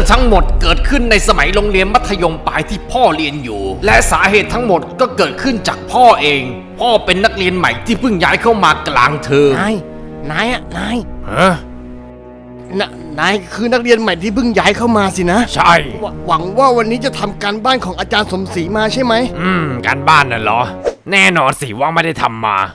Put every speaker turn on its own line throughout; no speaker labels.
ทั้งหมดเกิดขึ้นในสมัยโรงเรียนมัธยมปลายที่พ่อเรียนอยู่และสาเหตุทั้งหมดก็เกิดขึ้นจากพ่อเองพ่อเป็นนักเรียนใหม่ที่เพิ่งย้ายเข้ามากลางเทอม
นายคือนักเรียนใหม่ที่เพิ่งย้ายเข้ามาสินะ
ใช่
หวังว่าวันนี้จะทำการบ้านของอาจารย์สมศรีมาใช่ไหม
การบ้านน่ะเหรอแน่นอนสิว่าไม่ได้ทำมา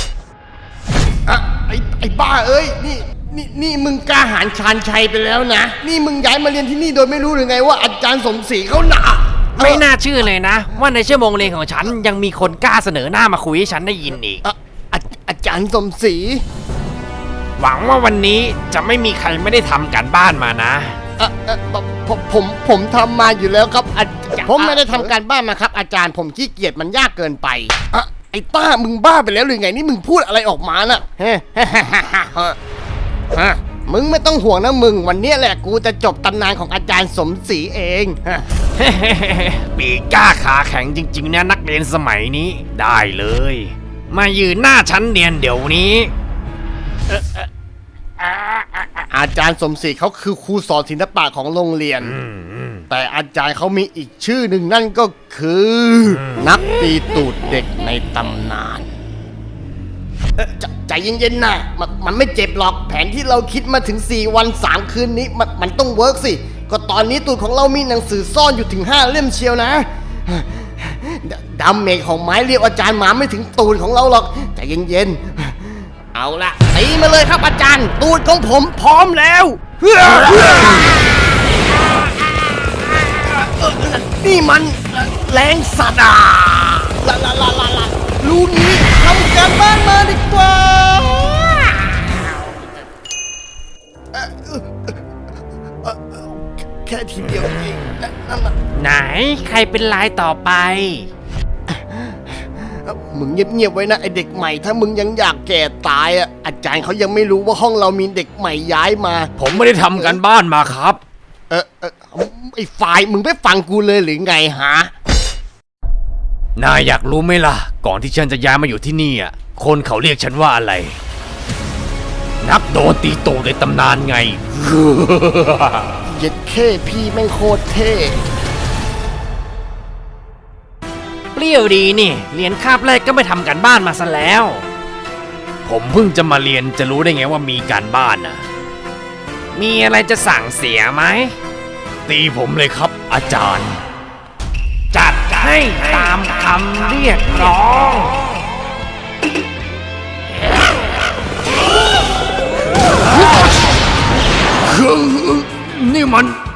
ไอ้บ้าเอ้ยนี่มึงกล้าหาญชาญชัยไปแล้วนะนี่มึงย้ายมาเรียนที่นี่โดยไม่รู้หรือไงว่าอาจารย์สมศรีเขาหนา
ไม่น่าเชื่อเลยนะว่าในชั่วโมงเรียนของฉันยังมีคนกล้าเสนอหน้ามาคุยให้ฉันได้ยินอีก
อาจารย์สมศรี
หวังว่าวันนี้จะไม่มีใครไม่ได้ทำการบ้านมานะ
ผมทำมาอยู่แล้วครับอาจารย์ผมไม่ได้ทำการบ้านมาครับอาจารย์ผมขี้เกียจมันยากเกินไปไอ้ต้ามึงบ้าไปแล้วหรือไงนี่มึงพูดอะไรออกมาน่ะมึงไม่ต้องห่วงนะมึงวันนี้แหละกูจะจบตำนานของอาจารย์สมศรีเอง
ปีกล้าขาแข็งจริงๆนะนักเรียนสมัยนี้ได้เลยมายืนหน้าชั้นเรียนเดี๋ยวนี้
อาจารย์สมศรีเขาคือครูสอนศิลปะของโรงเรียนแต่อาจารย์เขามีอีกชื่อหนึ่งนั่นก็คือนักตีตูดเด็กในตำนานใจเย็นๆนะมันไม่เจ็บหรอกแผนที่เราคิดมาถึง4 วัน 3 คืนนี้มันต้องเวิร์กสิก็ตอนนี้ตูดของเรามีหนังสือซ่อนอยู่ถึง5 เล่มเชียวนะดาเมจของไม้เรียวอาจารย์หมาไม่ถึงตูดของเราหรอกใจเย็นๆเอาละตีมาเลยครับอาจารย์ตูดของผมพร้อมแล้วนี่มันแรงสัตว์รู้นี้ทำการบ้านมาดีกว่าแค่ทีเดียวเอง
ไหนใครเป็นลายต่อไป
มึงเงียบๆไว้นะไอเด็กใหม่ถ้ามึงยังอยากแก่ตายอาจารย์เขายังไม่รู้ว่าห้องเรามีเด็กใหม่ย้ายมา
ผมไม่ได้ทำการบ้านมาครับ
ไอ้ฝ่ายมึงไม่ฟังกูเลยหรือไงฮะ
นายอยากรู้ไหมล่ะก่อนที่ฉันจะย้ายมาอยู่ที่นี่คนเขาเรียกฉันว่าอะไรนักโดนตีโตในตำนานไง
เย็ดเข้พี่แม่งโคตรเท่
เปรี้ยวดีนี่เรียนคาบแรกก็ไม่ทำการบ้านมาซะแล้วผมเพิ่งจะมาเรียนจะรู้ได้ไงว่ามีการบ้านมีอะไรจะสั่งเสียไหมตีผมเลยครับอาจารย์จัดให้ตามคำเรียกร้องนี่มัน